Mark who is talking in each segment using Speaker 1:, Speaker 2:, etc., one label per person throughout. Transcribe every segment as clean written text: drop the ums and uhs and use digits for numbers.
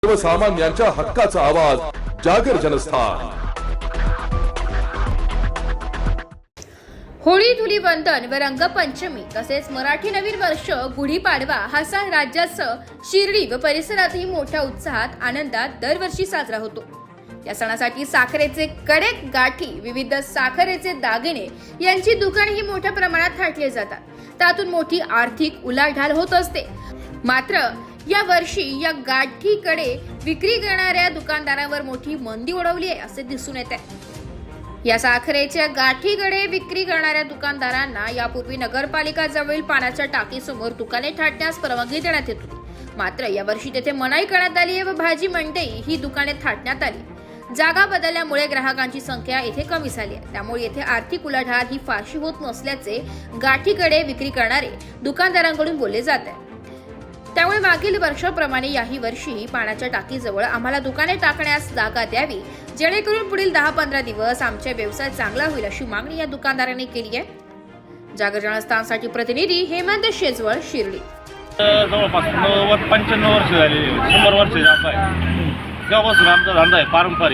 Speaker 1: सर्वसामान्यांच्या हक्काचा आवाज जागर जनस्थान।
Speaker 2: होळी, धुलीवंदन व रंगपंचमी तसेच मराठी नवीन वर्ष गुढीपाडवा हा सण राज्यासह शिर्डी व परिसरातही मोठ्या उत्साहात आनंदात दरवर्षी साजरा होतो। या सणासाठी साखरेचे कडक गाठी, विविध साखरेचे दागिने यांची दुकानेही मोठ्या प्रमाणात थाटली जातात। त्यातून मोठी आर्थिक उलाढाल होत असते। मात्र या वर्षी या गाठीकडे विक्री करणाऱ्या दुकानदारांवर मोठी मंदी ओढवली आहे असे दिसून येते। या साखरेच्या गाठीकडे विक्री करणाऱ्या दुकानदारांना यापूर्वी नगरपालिका जवळील पाण्याच्या टाकीसमोर दुकाने थाटण्यास परवानगी देण्यात येत होती। मात्र यावर्षी तेथे मनाई करण्यात आली आहे व भाजी मंडई ही दुकाने थाटण्यात आली। जागा बदलल्यामुळे ग्राहकांची संख्या येथे कमी झाली आहे। त्यामुळे येथे आर्थिक उलाढाल ही फारशी होत नसल्याचे गाठीकडे विक्री करणारे दुकानदारांकडून बोलले जात आहे। त्यामुळे मागील वर्षाप्रमाणे याही वर्षी पाण्याच्या टाकीजवळ आम्हाला दुकाने टाकण्यास जागा द्यावी, जेणेकरून पुढील 10-15 दिवस आमचा व्यवसाय चांगला होईल अशी मागणी या दुकानदारांनी केली आहे। जागर जनस्थानसाठी प्रतिनिधी हेमंत शेजवळ, शिर्डी।
Speaker 3: जवळपास 90-95 वर्ष झाली, 100 वर्ष जात आहे तेव्हापासून आमचा धंदा आहे पारंपरिक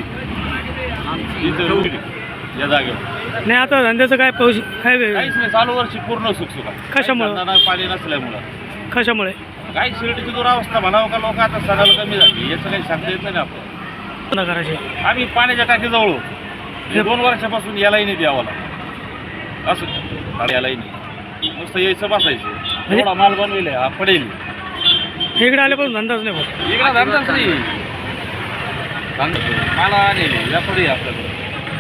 Speaker 3: इथं या जागेवर।
Speaker 4: नाही आता धंद्याचं काय
Speaker 3: काहीच नाही, चालू वर्षी पूर्ण सुखसुखा।
Speaker 4: कशामुळे?
Speaker 3: पाणी नसल्यामुळं।
Speaker 4: कशामुळे?
Speaker 3: काही शिर्डीची दुरावस्था म्हणावं का, लोक आता सणाला कमी झाली, याचं काही सांगता येत नाही आपण।
Speaker 4: करायचे
Speaker 3: आम्ही पाण्याच्या टाकीजवळ होतो, 2 वर्षापासून यालाही नाही द्यावं लागतं असं, यालाही नाही, नुसतं यायचं बसायचं। एवढा माल बनविले हा पडेल,
Speaker 4: इकडे आल्यापासून धंदाच नाही होत।
Speaker 3: इकडे धंदाच नाही, मला नाही या पुढे आपल्याकडे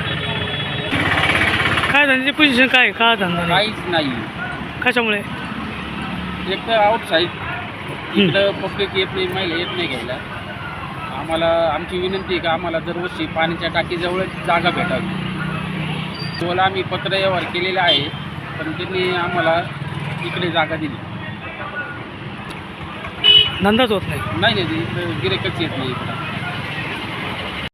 Speaker 4: काय धंद्याची पोझिशन काय का धंदा नाही?
Speaker 3: काहीच नाही।
Speaker 4: कशामुळे?
Speaker 3: एक तर आउटसाईड इकडं पब्लिक येत नाही, महिला येत नाही घ्यायला। आम्हाला आमची विनंती आहे की आम्हाला दरवर्षी पाण्याच्या टाकीजवळच जागा भेटावी। तुम्हाला आम्ही पत्र व्यवहार केलेला आहे, पण त्यांनी आम्हाला इकडे जागा दिली
Speaker 4: धंदाच होत नाही।
Speaker 3: नाही, इकडं गिऱ्हाईकच येत नाही इकडं।